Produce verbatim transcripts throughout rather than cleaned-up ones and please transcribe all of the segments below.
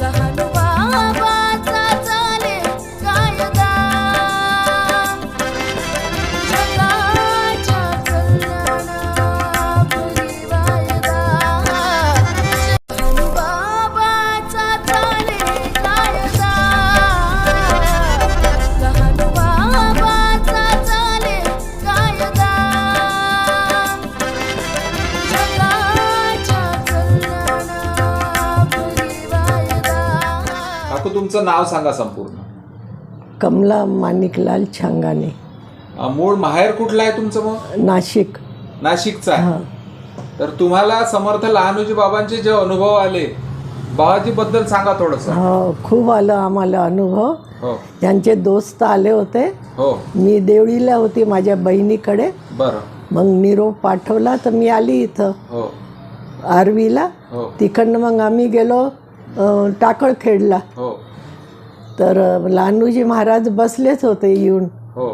तुमचं नाव सांगा संपूर्ण. कमला माणिकलाल छांगाने. मूळ माहेर कुठला आहे तुमचं? मग नाशिक. नाशिकचा आहे. तर तुम्हाला समर्थ लहानोजी बाबांचे जे अनुभव आले बाबाजी बद्दल सांगा थोडस. हो, खूप आलं आम्हाला अनुभव. हो. त्यांचे दोस्त आले होते. हो. मी देवळीला होती माझ्या बहिणीकडे. बरं. मग निरोप पाठवला तर मी आली इथं. हो. आरवीला. हो. तिकडनं मग आम्ही गेलो टाकळखेडला. हो. तर लहानूजी महाराज बसलेच होते येऊन. हो.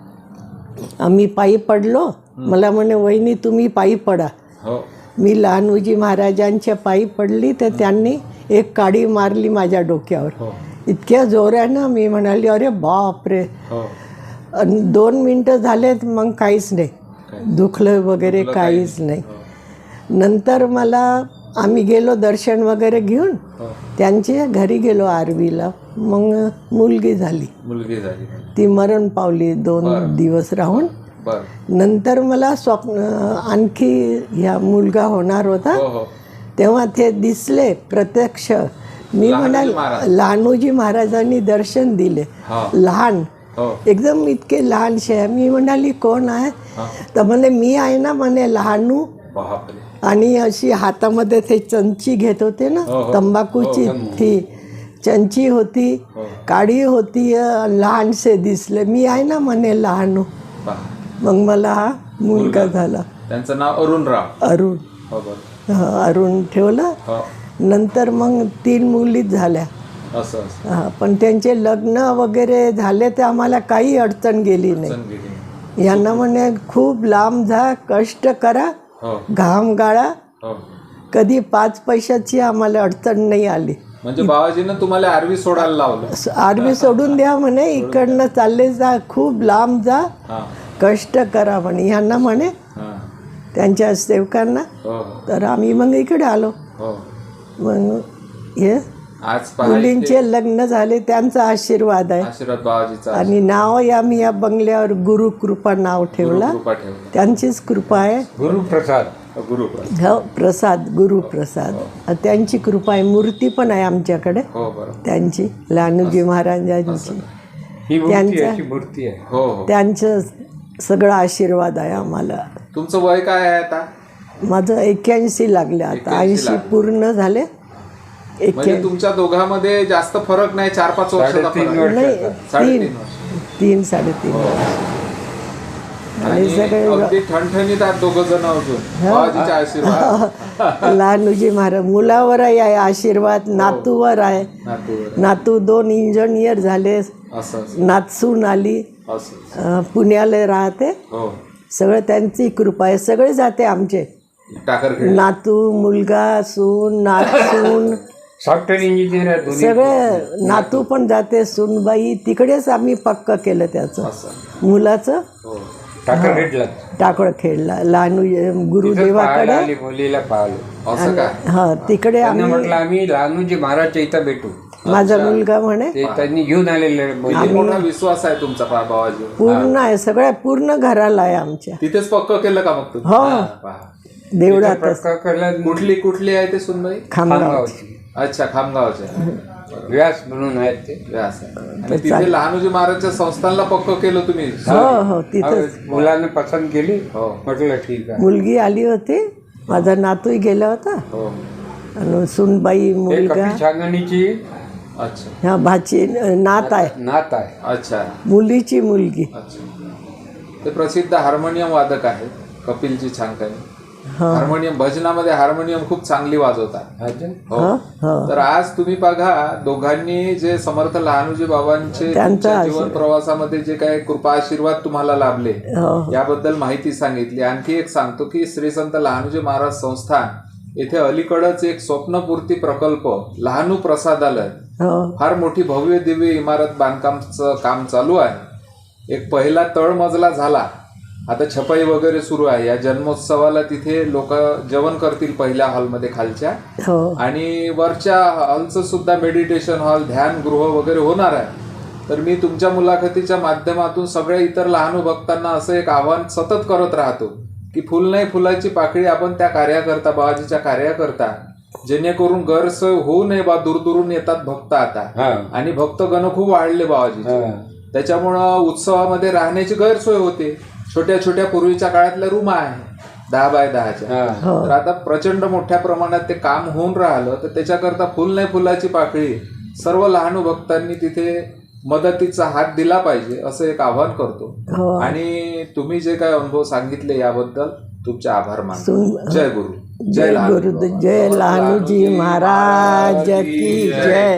आम्ही पायी पडलो. मला म्हणे वहिनी तुम्ही पायी पडा. हो. मी लहानूजी महाराजांच्या पायी पडली तर त्यांनी एक काडी मारली माझ्या डोक्यावर. हो. इतक्या जोरानं मी म्हणाली अरे बाप रे. हो. दोन मिनटं झालेत मग काहीच नाही, दुखलं वगैरे काहीच नाही. नंतर मला आम्ही गेलो दर्शन वगैरे घेऊन. त्यांच्या घरी गेलो आरवीला. मग मुलगी झाली. मुलगी झाली. ती मरण पावली दोन दिवस राहून. नंतर मला स्वप्न आणखी ह्या मुलगा होणार होता. तेव्हा ते दिसले प्रत्यक्ष. मी म्हणाल लहानोजी महाराजांनी दर्शन दिले. लहान एकदम इतके लहानशे. मी म्हणाली कोण आहे तर म्हणे मी आहे ना म्हणे लहानू. आणि अशी हातामध्ये ते चंची घेत होते ना तंबाखूची, ती चंची होती, काडी होती, लहानसे दिसले. मी आहे ना म्हणे लहानू. मग मला हा मुलगा झाला. त्यांचं नाव अरुणराव. अरुण. अरुण ठेवलं. नंतर मग तीन मुलीच झाल्या. हा, पण त्यांचे लग्न वगैरे झाले ते आम्हाला काही अडचण गेली नाही. यांना म्हणे खूप लांब जा, कष्ट करा, घाम गाळा. कधी पाच पैशाची आम्हाला अडचण नाही आली. म्हणजे बाबाजीनं तुम्हाला आरवी सोडायला लावलं. आरवी सोडून द्या म्हणे, इकडनं चालले जा, खूप लांब जा, कष्ट करा म्हणे. यांना म्हणे त्यांच्या सेवकांना. तर आम्ही मग इकडे आलो. मग हे मुलींचे लग्न झाले त्यांचा आशीर्वाद आहे. आशीर्वाद बाबाजीचा. आणि नाव आम्ही या बंगल्यावर गुरुकृपा नाव ठेवला. त्यांचीच कृपा आहे. गुरुप्रसाद. गुरुप्रसाद. हो, प्रसाद, गुरुप्रसाद. त्यांची कृपा आहे. मूर्ती पण आहे आमच्याकडे त्यांची, लहानूजी महाराजांची. त्यांचं मूर्ती आहे. त्यांचं सगळं आशीर्वाद आहे आम्हाला. तुमचं वय काय आहे आता? माझं एक्क्याऐंशी लागले आता. ऐंशी पूर्ण झाले. म्हणजे तुमच्या दोघांमध्ये जास्त फरक नाही, चार पाच वर्षाचा फरक नाही. तीन तीन साडेतीन आणि सगळे अगदी ठणठणीत आहेत दोघं जण अजून. बाबाजीचा आशीर्वाद. लहानूजी महाराज मुलावर आहे आशीर्वाद, नातूवर आहे. नातू दोन इंजिनियर झाले. नातसून आली, पुण्याला राहते. सगळं त्यांची कृपा आहे. सगळे जाते आमचे, नातू, मुलगा, सून, नातसून, सॉफ्टवेअर इंजिनियर सगळे. नातू पण जाते, सूनबाई. तिकडेच आम्ही पक्क केलं त्याचं मुलाचं. टाकळखेडला टाकळखेडला लहानू गुरुदेवाकडे मुलीला पाहिलं. हा, तिकडे आम्ही म्हटलं आम्ही लहानूजी महाराजच्या इथं भेटू. माझा मुलगा म्हणे त्यांनी घेऊन आलेले. मोठा विश्वास आहे तुमचा बाबाजी. पूर्ण आहे, सगळ्या पूर्ण घराला आहे आमच्या. तिथेच पक्क केलं का मग तुम्ही? हो, देवळात. कुठली कुठली आहे ते सुनबाई? खामगावची. अच्छा, खामगावच्या. व्यास म्हणून आहेत ते. व्यास. आणि तिथे लहानोजी महाराजच्या संस्थानला पक्क केलं तुम्ही? हो हो, तिथेच. मुलाने पसंत केली. म्हटलं ठीक आहे. मुलगी आली होती, माझा नातूही गेला होता. आणि सुनबाई, मुलगा. छांगणीची अच्छा हा भाची नात आहे. नात आहे. अच्छा, मुलीची मुलगी. ते प्रसिद्ध हार्मोनियम वादक आहेत कपिलजी छांगणी. हार्मोनियम, भजनामध्ये हार्मोनियम खूप चांगली वाजवतात. तर आज तुम्ही बघा, दोघांनी जे समर्थ लहानोजी बाबांचे जीवन प्रवासामध्ये जे काही कृपा आशीर्वाद तुम्हाला लाभले याबद्दल माहिती सांगितली. आणखी एक सांगतो की श्री संत लहानोजी महाराज संस्थान येथे अलीकडच एक स्वप्नपूर्ती प्रकल्प लहानू प्रसादालय हो फार मोठी भव्य दिव्य इमारत बांधकामचं काम चालू आहे. एक पहिला तळमजला झाला, आता छपाई वगैरे सुरू आहे. या जन्मोत्सवाला तिथे लोक जेवण करतील पहिल्या हॉलमध्ये खालच्या, हो आणि वरच्या हॉलचं सुद्धा मेडिटेशन हॉल, ध्यान गृह वगैरे होणार आहे. तर मी तुमच्या मुलाखतीच्या माध्यमातून सगळ्या इतर लहानू भक्तांना असं एक आव्हान सतत करत राहतो की फुल नाही फुलाची पाकळी आपण त्या कार्याकरता, बाबाजीच्या कार्याकरता, जेणेकरून गैरसोय होऊ नये. बा दूरदूरून येतात भक्त आता, आणि भक्तगण खूप वाढले बाबाजीचे. त्याच्यामुळं उत्सवामध्ये राहण्याची गैरसोय होते. छोट्या छोट्या पूर्वीच्या काळातल्या रूम आहे दहा बाय दहाच्या, तर आता प्रचंड मोठ्या प्रमाणात ते काम होऊन राहिलं. तर त्याच्याकरता फुल नाही फुलाची पाकळी सर्व लहानू भक्तांनी तिथे मदतीचा हात दिला पाहिजे असं एक आवाहन करतो. आणि तुम्ही जे काय अनुभव सांगितले याबद्दल तुमचे आभार मानतो. जय गुरु, जय गुरु, जय लहानूजी महाराज की जय.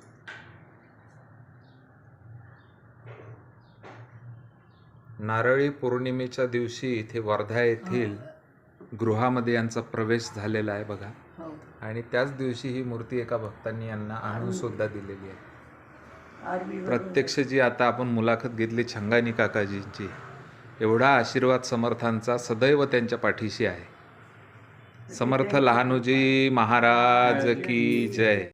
नारळी पौर्णिमेच्या दिवशी इथे वर्धा येथील गृहामध्ये यांचा प्रवेश झालेला आहे बघा, आणि त्याच दिवशी ही मूर्ती एका भक्तांनी यांना आणून सुद्धा दिलेली आहे. प्रत्यक्ष जी आता आपण मुलाखत घेतली छंगानी काकाजींची, एवढा आशीर्वाद समर्थांचा सदैव त्यांच्या पाठीशी आहे. समर्थ लहानूजी महाराज की जय.